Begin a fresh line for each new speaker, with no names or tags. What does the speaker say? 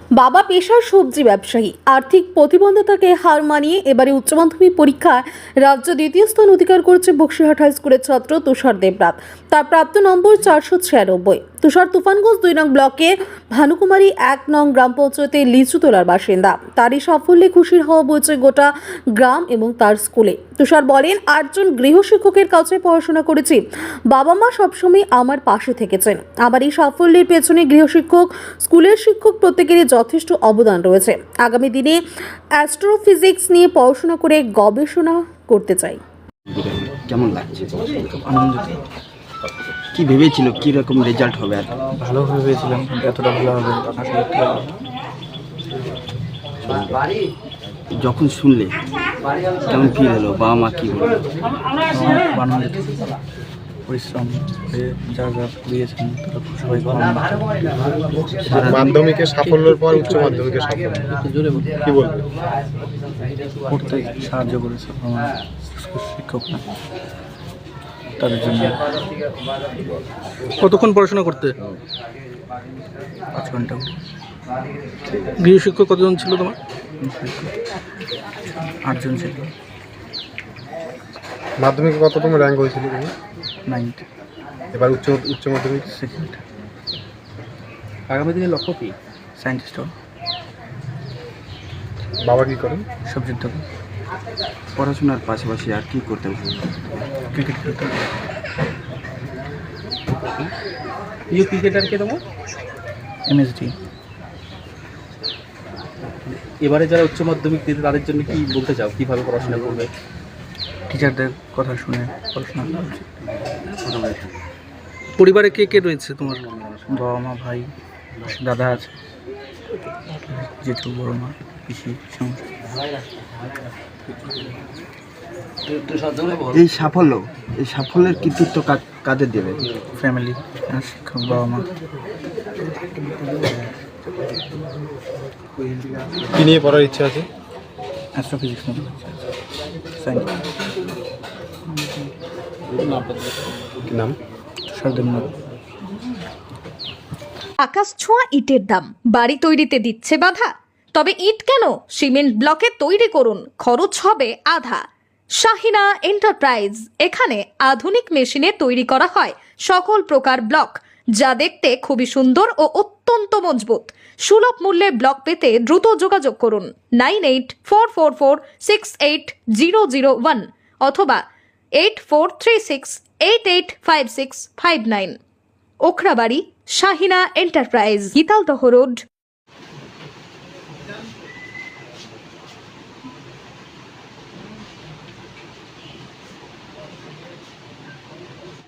বাবা পেশার সবজি ব্যবসায়ী, আর্থিক প্রতিবন্ধতাকে হার মানিয়ে এবারে উচ্চ মাধ্যমিক পরীক্ষায় রাজ্য দ্বিতীয় স্থান অধিকার করেছে বক্সিরহাট হাই স্কুলের ছাত্র তুষার দেবনাথ। তার প্রাপ্ত নম্বর 496। তুষার তুফানগঞ্জ 2 নং ব্লকের ভানুকুমারী 1 নং গ্রাম পঞ্চায়েতের লিচুতলার বাসিন্দা। তার এই সাফল্যে খুশির হওয়া বইছে গোটা গ্রাম এবং তার স্কুলে। তুষার বলেন, 8জন গৃহশিক্ষকের কাছে পড়াশোনা করেছি, বাবা মা সবসময় আমার পাশে থেকেছেন। আমার এই সাফল্যের পেছনে গৃহশিক্ষক, স্কুলের শিক্ষক প্রত্যেকেরই যথেষ্ট অবদান রয়েছে। আগামী দিনে অ্যাস্ট্রোফিজিক্স নিয়ে পড়াশোনা করে গবেষণা করতে চাই।
কেমন লাগছে? আনন্দিত। কি ভেবেছিল কি রকম রেজাল্ট হবে? আর
ভালো ভেবেছিলাম, কিন্তু এতটা ভালো হবে আশা করতে পারিনি।
যখন শুনলে কেমন ফিল হলো? বাবা মা কি বললো?
আনন্দিত, পরিশ্রম করে যা যা দিয়েছেন তারা সবাই
মাধ্যমিকের সাফল্যের পর উচ্চ মাধ্যমিকের সাফল্য কি বলবে?
পড়তে সাহায্য করেছে আমার শিক্ষকরা, তাদের জন্য।
কতক্ষণ পড়াশোনা করতে?
5 ঘন্টা।
গৃহশিক্ষক কতজন ছিল তোমার?
8 জন ছিল।
মাধ্যমিকে কততম র্যাঙ্ক হয়েছিল তুমি?
9th।
এবার উচ্চ মাধ্যমিক
2nd।
আগামী দিনে লক্ষ্য কি?
সায়েন্টিস্ট হব।
বাবা কি করেন?
সবজির দোকান।
পড়াশোনার পাশাপাশি আর কি করতে হবে?
ক্রিকেট খেলতে।
প্রিয় ক্রিকেটার কে তোমার?
MSD।
এবারে যারা উচ্চ মাধ্যমিক দিতে তাদের জন্য কি বলতে চাও, কিভাবে পড়াশোনা করবে?
টিচারদের কথা শুনে পড়াশোনা করা উচিত।
পরিবারে কে কে রয়েছে তোমার?
বাবা মা, ভাই, দাদা আছে, জেঠু, বড় মা, পিসি, সমস্ত।
এই সাফল্যের কৃতিত্ব কাদের দেবে?
ফ্যামিলি, শিক্ষক, বাবা মা।
কি নিয়ে পড়ার ইচ্ছা আছে?
অ্যাস্ট্রোফিজিক্স নিয়ে সায়েন্স।
কি নাম?
তুষার দেবনাথ।
আকাশ ছোঁয়া ইটের দাম বাড়ি তৈরিতে দিচ্ছে বাধা? তবে ইট কেন, সিমেন্ট ব্লকে তৈরি করুন, খরচ হবে আধা। শাহিনা এন্টারপ্রাইজ, এখানে আধুনিক মেশিনে তৈরি করা হয় সকল প্রকার ব্লক, যা দেখতে খুবই সুন্দর ও অত্যন্ত মজবুত। সুলভ মূল্যে ব্লক পেতে দ্রুত যোগাযোগ করুন 9844468001 অথবা 8436885659। Okhrabari, Shahina enterprise, Gitaldaha road,